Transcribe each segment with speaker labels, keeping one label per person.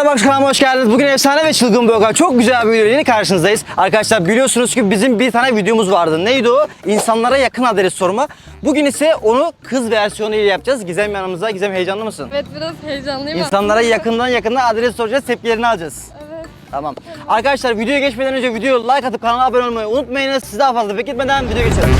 Speaker 1: Merhaba arkadaşlar, kanalıma hoş geldiniz. Bugün efsane ve çılgın bir vlog. Çok güzel bir video ile karşınızdayız. Arkadaşlar biliyorsunuz ki bizim bir tane videomuz vardı. Neydi o? İnsanlara yakın adres sorma. Bugün ise onu kız versiyonu ile yapacağız. Gizem yanımızda. Gizem, heyecanlı mısın?
Speaker 2: Evet, biraz heyecanlıyım.
Speaker 1: İnsanlara yakından adres soracağız, tepkilerini alacağız.
Speaker 2: Evet.
Speaker 1: Tamam. Arkadaşlar videoya geçmeden önce videoyu like atıp kanala abone olmayı unutmayınız. Sizi daha fazla bekletmeden videoya geçelim.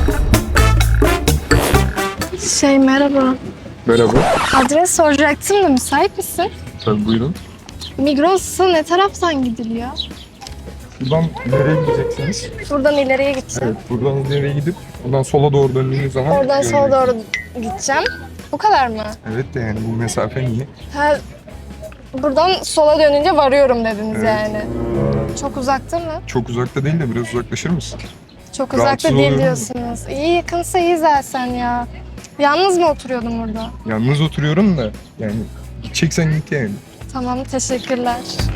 Speaker 2: Merhaba.
Speaker 3: Merhaba.
Speaker 2: Adres soracaktım da müsait misin?
Speaker 3: Tabii buyurun.
Speaker 2: Migros'a ne taraftan gidiliyor?
Speaker 3: Buradan nereye gideceksiniz?
Speaker 2: Buradan ileriye gideceğim.
Speaker 3: Evet, buradan ileriye gidip buradan sola doğru döndüğünüz zaman...
Speaker 2: Oradan sola doğru gideceğim. Bu kadar mı?
Speaker 3: Evet de yani bu mesafe niye?
Speaker 2: Ha, buradan sola dönünce varıyorum dediniz
Speaker 3: Evet.
Speaker 2: yani. Çok uzakta mı?
Speaker 3: Çok uzakta değil de biraz uzaklaşır mısın?
Speaker 2: Çok
Speaker 3: Rahatsız
Speaker 2: uzakta değil
Speaker 3: oluyorum.
Speaker 2: diyorsunuz. İyi, yakınsa iyi zaten ya. Yalnız mı oturuyordun burada?
Speaker 3: Yalnız oturuyorum da yani gideceksen git yani.
Speaker 2: Tamam, teşekkürler.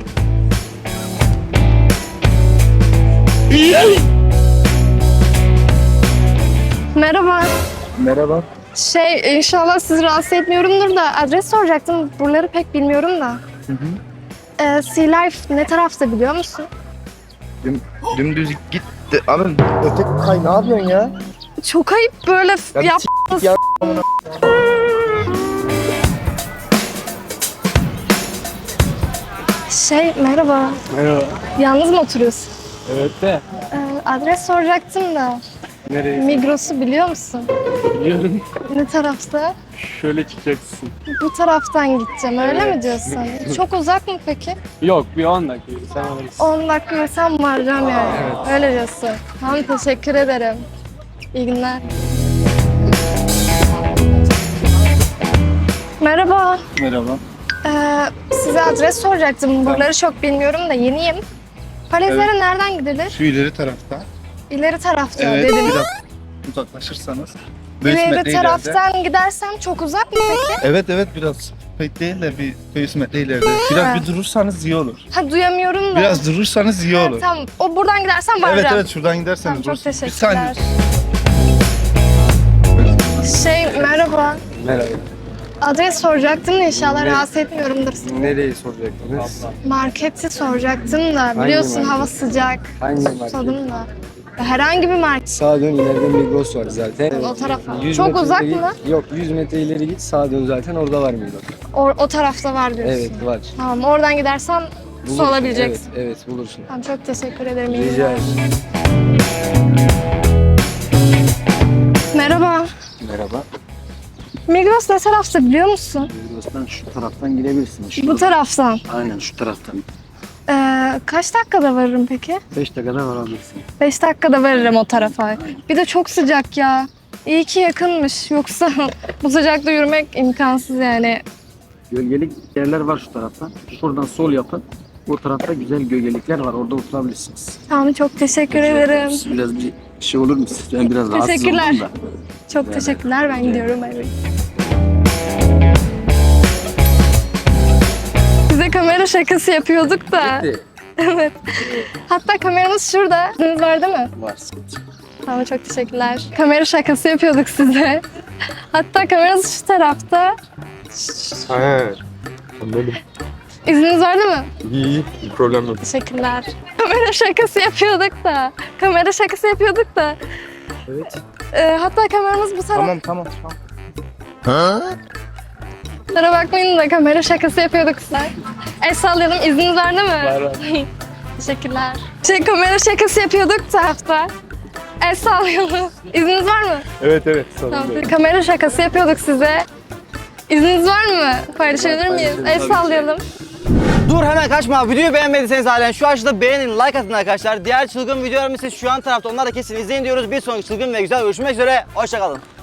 Speaker 2: Merhaba.
Speaker 3: Merhaba.
Speaker 2: İnşallah sizi rahatsız etmiyorumdur da adres soracaktım. Buraları pek bilmiyorum da. Sea Life ne tarafta biliyor musun?
Speaker 4: Dümdüz git de abi öte kay ne yapıyorsun ya?
Speaker 2: Çok ayıp böyle
Speaker 4: Ya bir
Speaker 2: yap.
Speaker 4: ya.
Speaker 2: Merhaba.
Speaker 5: Merhaba.
Speaker 2: Yalnız mı oturuyorsun?
Speaker 5: Evet de
Speaker 2: Adres soracaktım da.
Speaker 5: nereye?
Speaker 2: Migros'u biliyor musun?
Speaker 5: Biliyorum.
Speaker 2: Ne tarafta?
Speaker 5: Şöyle çıkacaksın.
Speaker 2: Bu taraftan gideceğim, öyle
Speaker 5: Evet.
Speaker 2: mi diyorsun? Çok uzak mı peki?
Speaker 5: Yok, bir 10 dakika sen alırsın.
Speaker 2: 10 dakika yürüsem varacağım yani. Öyle diyorsun. Tamam, teşekkür ederim. İyi günler. Merhaba.
Speaker 4: Merhaba.
Speaker 2: Size adres soracaktım. Buraları çok bilmiyorum da yeniyim. Paletleri nereden gidilir?
Speaker 4: Şu ileri tarafta.
Speaker 2: İleri tarafta
Speaker 4: Evet
Speaker 2: dediniz.
Speaker 4: biraz uzaklaşırsanız. 500 metre
Speaker 2: İleri
Speaker 4: ileride.
Speaker 2: taraftan gidersem çok uzak mı peki?
Speaker 4: Evet biraz pek değil de bir 500 metre ileride. Biraz
Speaker 2: Ha.
Speaker 4: bir durursanız iyi olur.
Speaker 2: Ha, duyamıyorum da.
Speaker 4: Biraz durursanız iyi
Speaker 2: Ha,
Speaker 4: olur.
Speaker 2: tamam. O buradan gidersem
Speaker 4: Evet
Speaker 2: varacağım.
Speaker 4: şuradan giderseniz.
Speaker 2: Tamam, çok
Speaker 4: durursunuz. Bir
Speaker 2: teşekkürler.
Speaker 4: saniye.
Speaker 2: Merhaba.
Speaker 5: Merhaba.
Speaker 2: Adres soracaktım da inşallah rahatsız etmiyorumdur.
Speaker 5: Nereyi soracaktınız?
Speaker 2: Marketi soracaktım da biliyorsun
Speaker 5: market?
Speaker 2: hava sıcak.
Speaker 5: Hangi market?
Speaker 2: Susadım da. Herhangi bir market
Speaker 5: Sağa dön, ileride Migros var zaten.
Speaker 2: o tarafa.
Speaker 5: 100
Speaker 2: Çok
Speaker 5: metre
Speaker 2: uzak
Speaker 5: ileri-
Speaker 2: mı?
Speaker 5: Yok, 100 metre ileri git, sağa dön zaten orada var Migros.
Speaker 2: O tarafta var diyorsun.
Speaker 5: Evet, var.
Speaker 2: Tamam, oradan gidersem su
Speaker 5: Bulursun,
Speaker 2: alabileceksin.
Speaker 5: Evet, bulursun.
Speaker 2: Tamam, çok teşekkür ederim. İyi
Speaker 5: Rica
Speaker 2: günler.
Speaker 5: ederim.
Speaker 2: Merhaba.
Speaker 6: Merhaba.
Speaker 2: Migros ne tarafta biliyor musun?
Speaker 6: Migros'tan şu taraftan gidebilirsin.
Speaker 2: Bu taraftan.
Speaker 6: Aynen şu taraftan.
Speaker 2: Kaç dakikada varırım peki?
Speaker 6: 5 dakikada varabilirsin.
Speaker 2: 5 dakikada varırım o tarafa. Bir de çok sıcak ya. İyi ki yakınmış. Yoksa bu sıcakta yürümek imkansız yani.
Speaker 6: Gölgelik yerler var şu taraftan. Şuradan sol yapın. O tarafta güzel gölgelikler var. Orada oturabilirsiniz.
Speaker 2: Tamam, çok teşekkür ederim.
Speaker 6: Biraz bir şey olur mu siz? Ben biraz rahatsız
Speaker 2: Teşekkürler.
Speaker 6: oldum da.
Speaker 2: Çok teşekkürler. Ben gidiyorum eve. Size kamera şakası yapıyorduk da. Evet. Hatta kameramız şurada. İzniniz var değil mi?
Speaker 6: Var.
Speaker 2: Tamam, çok teşekkürler. Kamera şakası yapıyorduk size. Hatta kameramız şu tarafta.
Speaker 3: He. Anladım.
Speaker 2: İzniniz var değil mi?
Speaker 3: İyi, bir problem yok.
Speaker 2: Teşekkürler. Kamera şakası yapıyorduk da. Kamera şakası yapıyorduk da.
Speaker 6: Evet.
Speaker 2: Hatta kameramız bu tarafta.
Speaker 4: Tamam.
Speaker 2: Kusura bakmayın da kamera şakası yapıyorduk size. El sallayalım. İzniniz var değil mi?
Speaker 5: Var.
Speaker 2: Teşekkürler. Kamera şakası yapıyorduk tarafta. El sallayalım. İzniniz var mı?
Speaker 3: Evet,
Speaker 2: Tamam. Kamera şakası yapıyorduk size. İzniniz var mı? Paylaşabilir miyiz? El sallayalım.
Speaker 1: Dur, hemen kaçma. Videoyu beğenmediyseniz halen şu aşağıda beğenin, like atın arkadaşlar. Diğer çılgın videolarımız ise şu an tarafta. Onları da kesin izleyin diyoruz. Bir sonraki çılgın ve güzel görüşmek üzere. Hoşçakalın.